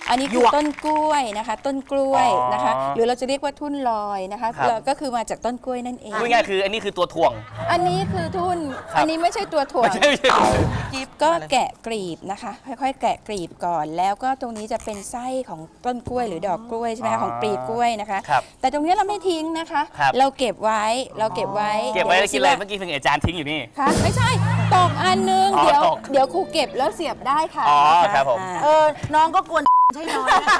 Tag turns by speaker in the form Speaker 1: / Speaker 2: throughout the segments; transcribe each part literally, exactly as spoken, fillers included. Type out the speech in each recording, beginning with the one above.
Speaker 1: อันนี้คือต้นกล้วยนะคะ ต้นกล้วยนะคะหรือเราจะเรียกว่าทุ่นลอยนะคะก็คือมาจากต้นกล้วยนั่นเอง
Speaker 2: พูดง่ายคืออันนี้คือตัวถ่วง
Speaker 1: อันนี้คือทุ่นอันนี้ไม่ใช่ตัวถ่วงก็แกะกลีบนะคะค่อยๆแกะกลีบก่อนแล้วก็ตรงนี้จะเป็นไส้ของต้นกล้วยหรือดอกกล้วยใช่ไหมคะของปลีกล้วยนะคะแต่ตรงนี้เราไม่ทิ้งนะคะเราเก็บไว้เราเก็บไว้
Speaker 2: เก็บไว้แล้วกินอะไรเมื่อกี้เพิ่งอาจารย์ทิ้งอยู่นี่
Speaker 1: ค่ะไม่ใช่ตกอันนึงเดี๋ยวเดี๋ยวครูเก็บแล้วเสียบได้ค่ะ
Speaker 2: อ๋อครับผม
Speaker 3: เออน้องก็กวนใช่น้อยนะคะ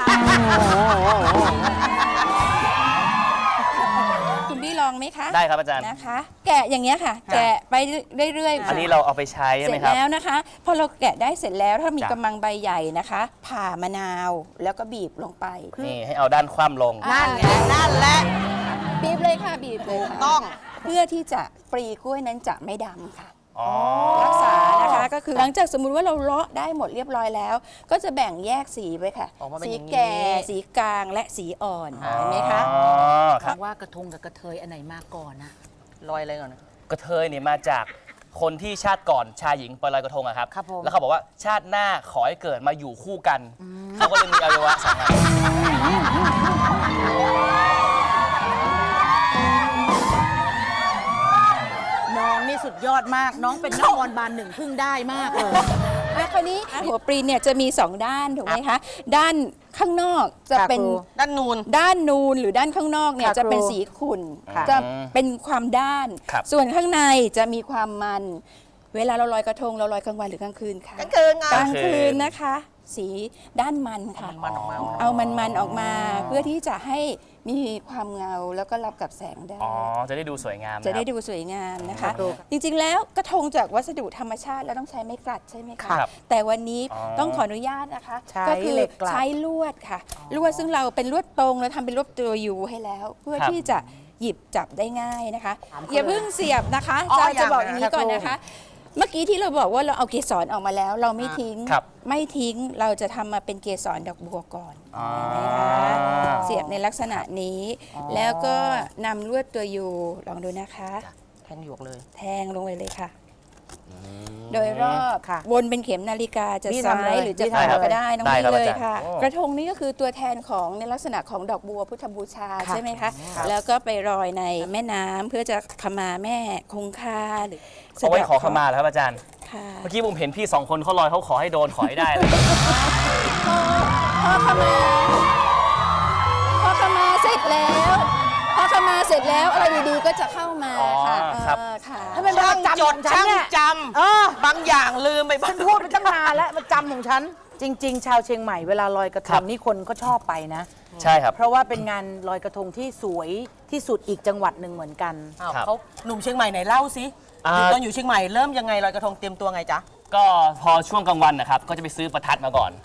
Speaker 1: คุณพี่ลองไหมคะ
Speaker 2: ได้ครับอาจารย์
Speaker 1: นะคะแกะอย่างเงี้ยค่ะแกะไปเรื่อยๆ
Speaker 2: อันนี้เราเอาไปใช้ใช่ไหมครับ
Speaker 1: เสร็จแล้วนะคะพอเราแกะได้เสร็จแล้วถ้ามีกำมังใบใหญ่นะคะผ่ามะนาวแล้วก็บีบลงไป
Speaker 2: นี่ให้เอาด้านคว่ำลง
Speaker 3: นั่นไงนั่นแหละ
Speaker 1: บีบเลยค่ะบีบเลยต้องเพื่อที่จะปลีกล้วยนั้นจะไม่ดำค่ะรักษานะคะก็คือหลังจากสมมุติว่าเราเลาะได้หมดเรียบร้อยแล้วก็จะแบ่งแยกสีไว้ค่ะสีแก่สีกลางและสีอ่อนเห็นไหมคะ
Speaker 3: ว่ากระทงกับกระเทยอันไหนมาก่อนนะ
Speaker 2: ลอยอะไรก่อนกระเทยเนี่ยมาจากคนที่ชาติก่อนชายหญิงไปลอยกระทงอะครับแล้วเขาบอกว่าชาติหน้าขอให้เกิดมาอยู่คู่กันเขาก็เลยมีอวัยวะสองอัน
Speaker 3: น้องนี่สุดยอดมากน้องเป็นนักบอลบานหนึ่งพึ่งได้มากเลย
Speaker 1: แล้วคราวนี้หัวปลีเนี่ยจะมีสองด้านถูกไหมคะด้านข้างนอกจะเป็น
Speaker 3: ด้านนูน
Speaker 1: ด้านนูนหรือด้านข้างนอกเนี่ยจะเป็นสีขุ่นจะเป็นความด้านส่วนข้างในจะมีความมันเวลาเราลอยกระทงเราลอยกลางวันหรือกลางคืนคะ
Speaker 3: กลางคืน
Speaker 1: กลางคืนนะคะสีด้านมันค่ะเอามันมันออกมาเพื่อที่จะให้มีความเงาแล้วก็รับกับแสงได้
Speaker 2: อ๋อจะได้ดูสวยงาม
Speaker 1: จะได้ดูสวยงามนะคะจริงๆแล้วกระทงจากวัสดุธรรมชาติแล้วต้องใช้ไม้กลัดใช่ไหมคะแต่วันนี้ต้องขออนุญาตนะคะก็คือใช้ลวดค่ะลวดซึ่งเราเป็นลวดตรงแล้วทำเป็นลวดตัวยูให้แล้วเพื่อที่จะหยิบจับได้ง่ายนะคะอย่าเพิ่งเสียบนะคะจะจะบอกอย่างนี้ก่อนนะคะเมื่อกี้ที่เราบอกว่าเราเอาเกสรออกมาแล้วเราไม่ทิ้งไม่ทิ้งเราจะทำมาเป็นเกสรดอกบัวก่อนนะคะเสียบในลักษณะนี้แล้วก็นำลวดตัวยูลองดูนะคะ
Speaker 3: แทงหยวกเลย
Speaker 1: แทงลงไปเลยค่ะโดยรอบวนเป็นเข็มนาฬิกาจะซ้ายหรือจะขวาก็ได้น้องนี่เลยค่ะกระทงนี้ก็คือตัวแทนของในลักษณะของดอกบัวพุทธบูชาใช่ไหมคะแล้วก็ไปรอยในแม่น้ำเพื่อจะขมาแม่คงคาหรือ
Speaker 2: เอาไว้ขอขมาแล้วครับอาจารย์เมื่อกี้ผมเห็นพี่สองคนเขาลอยเขาขอให้โดนขอให้ได้เลย
Speaker 1: พอขมาพอขมาเสร็จแล้วพอขมาเสร็จแล้วอะไรดีๆก็จะเข้ามาค่ะ
Speaker 3: ค่ะถ้าเป็นช่างจำช่างจำบางอย่างลืมไปฉันพูดไปตั้งนานแล้วมันจำของฉันจริงๆชาวเชียงใหม่เวลาลอยกระทงนี่คนก็ชอบไปนะ
Speaker 2: ใช่ครับ
Speaker 3: เพราะว่าเป็นงานลอยกระทงที่สวยที่สุดอีกจังหวัดหนึ่งเหมือนกันเขาหนุ่มเชียงใหม่ไหนเล่าสิตอนอยู่เชียงใหม่เริ่มยังไงลอยกระทงเตรียมตัวไงจ๊ะ
Speaker 2: ก็พอช่วงกลางวันนะครับก็จะไปซื้อประทัดมาก่อน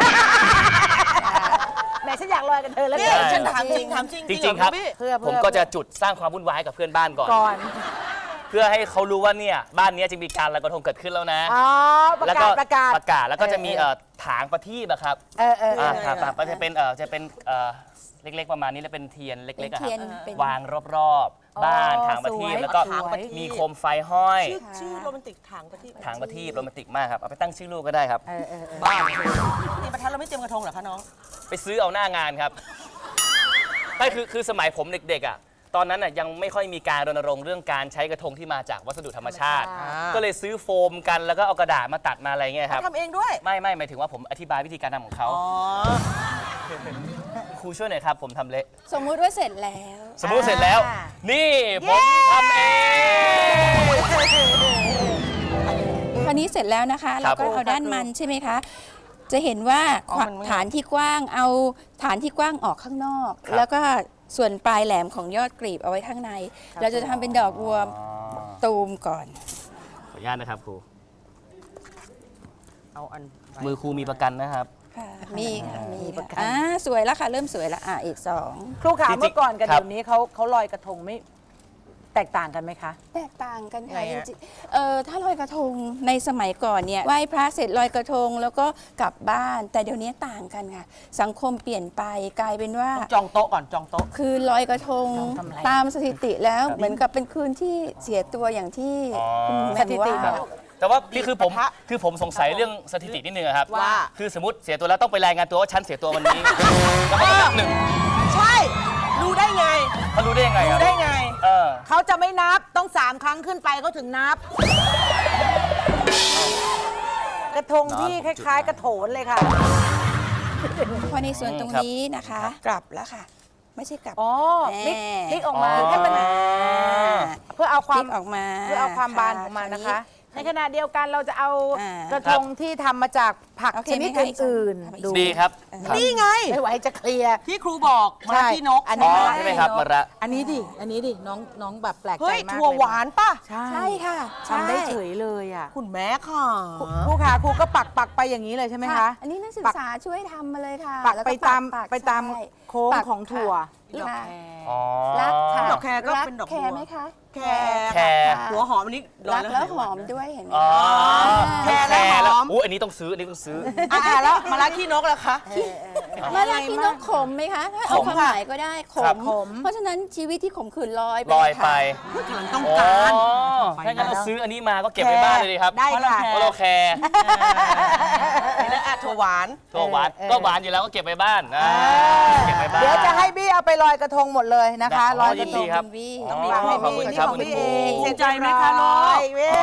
Speaker 3: แม่ฉันอยากลอยกันเธอแล้วฉันถามจริงถามจริง
Speaker 2: จริงครับผมก็จะจุดสร้างความวุ่นวายกับเพื่อนบ้านก่อนเพื่อให้เขารู้ว่าเนี่ยบ้านนี้จะมีการลอยกระทงเกิดขึ้นแล้วนะ
Speaker 3: อ๋อประกาศประกาศ
Speaker 2: ประกาศแล้วก็จะมีถางประทีปอะครับ
Speaker 3: เออเออ
Speaker 2: ครับจะเป็นจะเป็นเล็กๆประมาณนี้แล้วเป็นเทียนเล็กๆครับวางรอบๆบ้านถางประทีปแล้วก็มีโคมไฟห้อย
Speaker 3: ชื่อโรแมนติกถางประทีป
Speaker 2: ถางประทีปโรแมนติกมากครับเอาไปตั้งชื่อลูกก็ได้ครับ
Speaker 3: บ้านนี่ประทัดเราไม่เตรียมกระทงเหรอคะน้อง
Speaker 2: ไปซื้อเอาหน้างานครับไม่คือคือสมัยผมเด็กๆอ่ะตอนนั้นน่ะยังไม่ค่อยมีการรณรงค์เรื่องการใช้กระทงที่มาจากวัสดุธรรมชาติก็เลยซื้อโฟมกันแล้วก็เอากระดาษมาตัดมาอะไรเงี้ยครับ
Speaker 3: ทำเองด้วย
Speaker 2: ไม่ไม่หมายถึงว่าผมอธิบายวิธีการทำของเขาครูช่วยหน่อยครับผมทำเละ
Speaker 1: สมมุติว่าเสร็จแล้ว
Speaker 2: สมมุติเสร็จแล้วนี่ผมทำเอง
Speaker 1: คราวนี้เสร็จแล้วนะคะเราก็เอาด้านมันใช่ไหมคะจะเห็นว่าฐานที่กว้างเอาฐานที่กว้างออกข้างนอกแล้วก็ส่วนปลายแหลมของยอดกลีบเอาไว้ข้างในเราจะทำเป็นดอกบัวตูมก่อน
Speaker 2: ขออนุญาตนะครับครูเอาอันมือครูมีประกันนะครับ
Speaker 1: มีค่ะมีประกันอ่าสวยแล้วค่ะเริ่มสวยแล้วอ่ะอีกสอง
Speaker 3: ครูขาเมื่อก่อนกับเดี๋ยวนี้เขาเขาลอยกระทงไม่แตกต่างกันไหมคะ
Speaker 1: แตกต่างกันค่ะจริงๆเออถ้าลอยกระทงในสมัยก่อนเนี่ยไหว้พระเสร็จลอยกระทงแล้วก็กลับบ้านแต่เดี๋ยวนี้ต่างกันค่ะสังคมเปลี่ยนไปกลายเป็นว่า
Speaker 3: จองโต๊ะก่อนจองโต๊ะ
Speaker 1: คือลอยกระทงตามสถิติแล้วเหมือนกับเป็นคืนที่เสียตัวอย่างที่
Speaker 3: สถิติ
Speaker 2: แต่ว่าพี่คือผม
Speaker 4: กระทะ
Speaker 2: คือผมสงสัยเรื่องสถิตินิดนึงอะครับ
Speaker 4: ว่า
Speaker 2: คือสมมติเสียตัวแล้วต้องไปรายงานตัวว่าฉันเสียตัววันนี้ แล้วก็นับหนึ่ง
Speaker 4: ใช่ รู้ได้ไง
Speaker 2: เขารู้ได้ยังไงครับ
Speaker 4: รู้ได้ไง
Speaker 2: เออ
Speaker 3: เขาจะไม่นับต้องสามครั้งขึ้นไปเขาถึงนับ กระทงที่คล้ายๆ กระโถนเลยค่ะ
Speaker 1: พอในส่วนตรงนี้นะคะ กลับแล้วค่ะ ไม่ใช่กลับ
Speaker 3: อ๋อพลิกพลิกออกมา
Speaker 2: อ๋อ
Speaker 3: ให้มันเพื่อเอาค
Speaker 1: พ
Speaker 3: วา
Speaker 1: ลิ
Speaker 3: ม
Speaker 1: กออกมา
Speaker 3: เพื่อเอาความบานของมันนะคะ ในขณะเดียวกันเราจะเอา
Speaker 1: อ่า
Speaker 3: กระทงที่ทำมาจากผัก
Speaker 1: โอเค
Speaker 3: ชนิด
Speaker 1: ไหมคะ
Speaker 3: อื่น
Speaker 1: ทำอีก
Speaker 3: ๆดู
Speaker 2: ดีครับ
Speaker 4: นี่ไง
Speaker 3: ไม่ไหวจะเคลียร์
Speaker 4: ที่ครูบอกมา
Speaker 3: ใช่
Speaker 4: ที่นก
Speaker 3: อันนี้
Speaker 2: อ๋อ
Speaker 3: ไม่
Speaker 2: ใช่ไหมครับมะระ
Speaker 3: อันนี้ดิอันนี้ดิน้องน้องแบบแปลกใจ
Speaker 4: เฮ้ย
Speaker 3: มาก
Speaker 4: ถั่ว
Speaker 3: เลย
Speaker 4: หวานป่ะ
Speaker 3: ใช่
Speaker 1: ใช่ค่ะ
Speaker 3: ทำได้เฉยเลยอ่ะ
Speaker 4: คุณแม่ค่ะ
Speaker 3: ครูขาครูก็ปักปักไปอย่างนี้เลยใช่ไหม
Speaker 1: ค่ะ
Speaker 3: คะ
Speaker 1: อันนี้นักศึกษาช่วยทำมาเลยค่ะ
Speaker 3: ปัก
Speaker 1: แล้ว
Speaker 3: ไปตาม
Speaker 1: ปัก
Speaker 3: ไปตาม
Speaker 1: ใช่
Speaker 3: โค้ง
Speaker 1: ปัก
Speaker 3: ของถั่ว
Speaker 1: ค่ะ
Speaker 2: อ๋อ
Speaker 1: รักค่ะ
Speaker 4: ดอกแครก็เป็นดอกบัว
Speaker 1: รัแครไหมคะ
Speaker 4: แค
Speaker 2: แคร
Speaker 1: ค่ะ
Speaker 4: หัวหอมอันนี้โด
Speaker 1: รั
Speaker 4: น
Speaker 1: ก
Speaker 4: แล้ว
Speaker 1: แล้ว
Speaker 4: หาย
Speaker 1: ห
Speaker 4: วา
Speaker 1: อน มด้วยเห็นไหม
Speaker 2: อ๋อ
Speaker 4: แครและหอม
Speaker 2: อู้อันนี้ต้องซื้อ อันนี้ต้องซื้อ
Speaker 4: อ่าแล้วมาละขี้นกแล้วคะ
Speaker 1: มาลากินนกขมไหมคะถ้าเอา
Speaker 2: ขม
Speaker 1: ความ
Speaker 2: ค่ะ
Speaker 1: หมายก็ได้ข
Speaker 2: ครับ
Speaker 1: ม เพราะฉะนั้นชีวิตที่ขมขื่นลอยไป
Speaker 2: ลอยไป
Speaker 1: ค่ะ
Speaker 4: กำลังต้อง
Speaker 2: อ๋อ
Speaker 4: การ
Speaker 2: ถ้างั้นเราซื้ออันนี้มาก็เก็บไว้บ้านเลยดีครับ
Speaker 3: ได้ค่ะ
Speaker 2: เพราะเราแคร์
Speaker 4: และอ่ะถั่วหวาน
Speaker 2: ตัวหวาน
Speaker 3: เออ
Speaker 2: ก็หวานอยู่แล้วก็เก็บไว้บ้านอ่าเก็บไว้บ้าน
Speaker 3: เดี๋ยวจะให้บี้เอาไปลอยกระทงหมดเลยนะคะ
Speaker 2: ได้
Speaker 3: ลอยก
Speaker 2: ยิ
Speaker 3: ระ
Speaker 2: น
Speaker 3: ท
Speaker 2: ดี
Speaker 3: ง
Speaker 2: ครับ
Speaker 1: คุณบี้
Speaker 2: อ๋อ
Speaker 3: ฝากให้
Speaker 2: ขอบ
Speaker 3: บี้
Speaker 2: คุณ
Speaker 3: นี่
Speaker 2: ครับ
Speaker 3: ของ
Speaker 2: คุณ
Speaker 3: บี้
Speaker 2: ครู
Speaker 3: เอง
Speaker 4: เสียใจไหมคะลูก
Speaker 3: เว้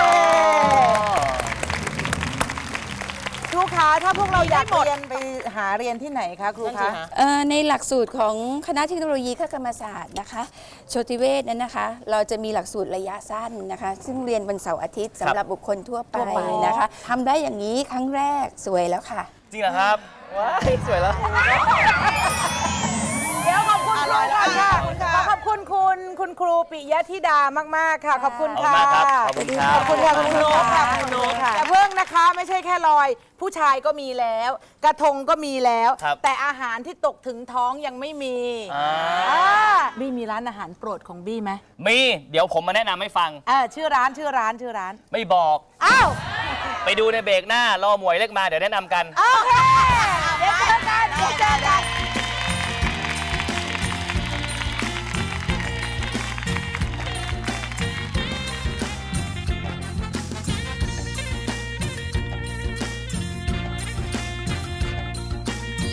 Speaker 3: ครูคะถ้าพวกเราอยากเรียนไปหาเรียนที่ไหนคะครู
Speaker 4: นั่นสิ
Speaker 3: คะ
Speaker 4: ฮะ
Speaker 1: เอ่อในหลักสูตรของคณะเทคโนโลยีคกรรมศาสตร์นะคะโชติเวชนั้นนะคะ เราจะมีหลักสูตรระยะสั้นนะคะ ซึ่งเรียนวันเสาร์อาทิตย์สำหรับบุคคลทั่วไป
Speaker 3: ทั่วไป
Speaker 1: นะคะทำได้อย่างนี้ครั้งแรกสวยแล้วค่ะ
Speaker 2: จริงเหรอครับ ว้ายสวยแล้ว
Speaker 3: เดี๋ยวขอบคุณ
Speaker 4: อ
Speaker 3: ค
Speaker 4: ร่
Speaker 3: รู
Speaker 4: อยแล้ว
Speaker 3: ค่ะ
Speaker 4: ขอบคุณค่ะ
Speaker 3: ขอขอบคุณคุณคุณครูปิยธิดามากๆค่ะ ขอบคุณ
Speaker 2: ขอบ
Speaker 3: ค่ะ
Speaker 2: คุณมากครับขอบคุณครับ
Speaker 3: ขอบคุณค่ะคุณครู
Speaker 4: ขอบคุณ
Speaker 3: ค่ะ
Speaker 4: ค่ะคุณนกค่ะ
Speaker 3: แต่เพิ่งนะคะไม่ใช่แค่ลอย ผู้ชายก็มีแล้ว กระทงก็มีแล้ว
Speaker 2: ครับ
Speaker 3: แต่อาหารที่ตกถึงท้องยังไม่มี
Speaker 2: อ่า
Speaker 3: อ่าบี้มีร้านอาหารโปรดของบี้ไหม
Speaker 2: มี เดี๋ยวผมมาแนะนำให้ฟัง
Speaker 3: เออชื่อร้านชื่อร้านชื่อร้าน
Speaker 2: ไม่บอก
Speaker 3: อ้าว
Speaker 2: ไปดูในเบรกหน้ารอหมวยเล็กมาเดี๋ยวแนะนำกัน
Speaker 3: โอเคเดี๋ยวเจอกันเดี๋ยวเจอกัน